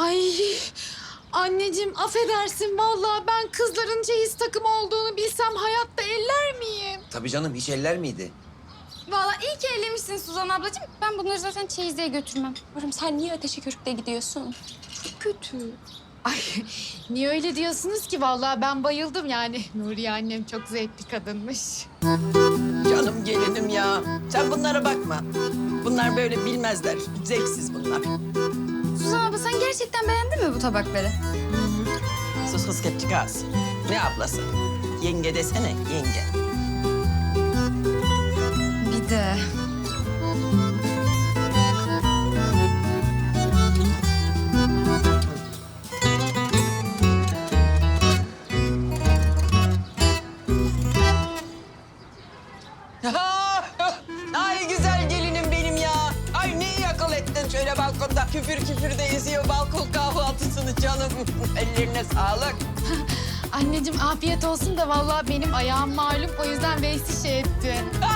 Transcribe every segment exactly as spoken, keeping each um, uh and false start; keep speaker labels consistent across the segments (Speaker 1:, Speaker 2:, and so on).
Speaker 1: Ay anneciğim affedersin vallahi ben kızların çeyiz takımı olduğunu bilsem hayatta eller miyim?
Speaker 2: Tabii canım, hiç eller miydi?
Speaker 3: Vallahi iyi ki ellemişsin Suzan ablacığım. Ben bunları zaten çeyizliğe götürmem. Yavrum sen niye ateşe körükle gidiyorsun? Çok kötü.
Speaker 1: Ay niye öyle diyorsunuz ki vallahi ben bayıldım yani. Nuriye annem çok zevkli kadınmış.
Speaker 4: Canım gelinim ya. Sen bunlara bakma. Bunlar böyle bilmezler. Zevksiz bunlar.
Speaker 3: Suzan abla sen gerçekten beğendin mi bu tabakları?
Speaker 4: Sus kız kepçik ağız. Ne ablası? Yenge desene, yenge.
Speaker 3: Bir de.
Speaker 4: Ay güzel gelinim benim ya. Ay ne iyi akıl ettin şöyle balkonda. Küfür küfür de eziyor balkon kahvaltısını canım. Ellerine sağlık.
Speaker 1: Anneciğim afiyet olsun da vallahi benim ayağım malum o yüzden Veysi şey etti.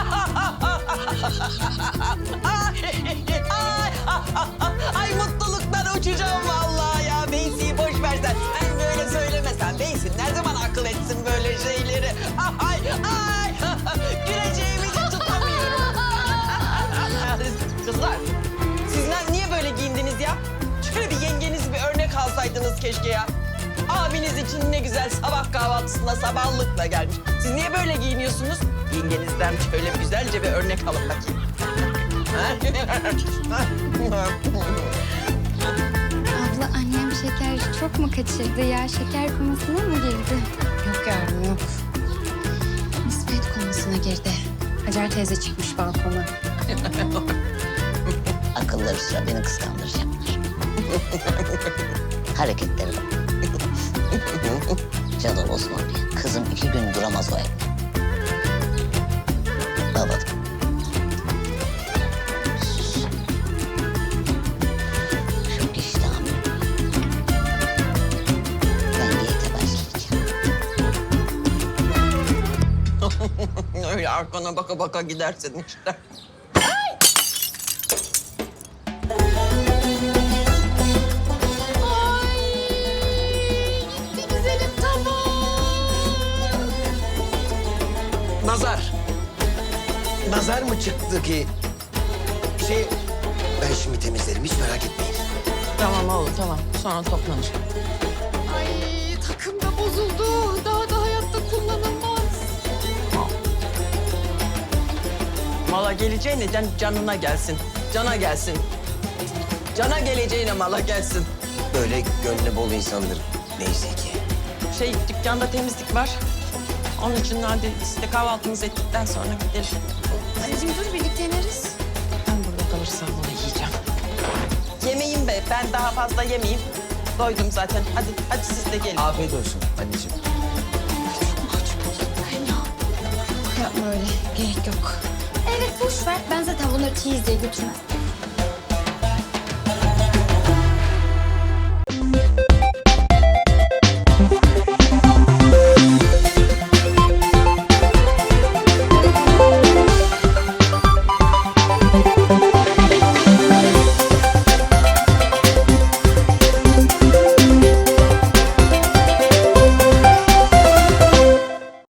Speaker 4: Ay, ay, ay mutluluktan uçacağım vallahi ya. Beysi'yi boş versen. Sen böyle söylemesen. Beysi ne zaman akıl etsin böyle şeyleri? Ay, ay. Güleceğimi de tutamıyorum. Kızlar, sizler niye böyle giyindiniz ya? Şöyle bir yengeniz bir örnek alsaydınız keşke ya. Abiniz için ne güzel sabah kahvaltısına sabahlıkla gelmiş. Siz niye böyle giyiniyorsunuz? Yengenizden şöyle güzelce bir örnek alın bakayım.
Speaker 3: Abla annem şeker çok mu kaçırdı ya? Şeker komasına mı girdi?
Speaker 5: Yok yavrum yok. Nispet komasına girdi. Hacer teyze çıkmış balkona.
Speaker 6: Akılları sıra beni kıskandıracaklar. Hareketleri bak. Canım Osman Bey, kızım iki gün duramaz o evde. Babadım. Çok iştahım yok. Ben diyete başlayacağım.
Speaker 4: Öyle arkana baka baka gidersin işte.
Speaker 1: Gitti güzelim tamam.
Speaker 2: Nazar. Nazar mı çıktı ki? Şey, ben şimdi temizlerim, hiç merak etmeyin.
Speaker 4: Tamam oğlum tamam. Sonra toplanır.
Speaker 1: Ay takım da bozuldu. Daha da hayatta kullanılmaz.
Speaker 4: Mala geleceğine can, canına gelsin. Cana gelsin. Cana geleceğine mala gelsin.
Speaker 2: Böyle gönlü bol insandır neyse ki.
Speaker 4: Şey dükkanda temizlik var. Onun için hadi siz de kahvaltınızı ettikten sonra gidelim.
Speaker 3: Anneciğim dur birlikte ineriz.
Speaker 4: Ben burada kalırsam bunu yiyeceğim. Yemeğim be. Ben daha fazla yemeyeyim. Doydum zaten. Hadi hadi siz de gelin.
Speaker 2: Afiyet olsun anneciğim.
Speaker 5: Yapma öyle. Gerek yok.
Speaker 3: Evet boş ver. Ben zaten bunları çeyizliğe götürmem.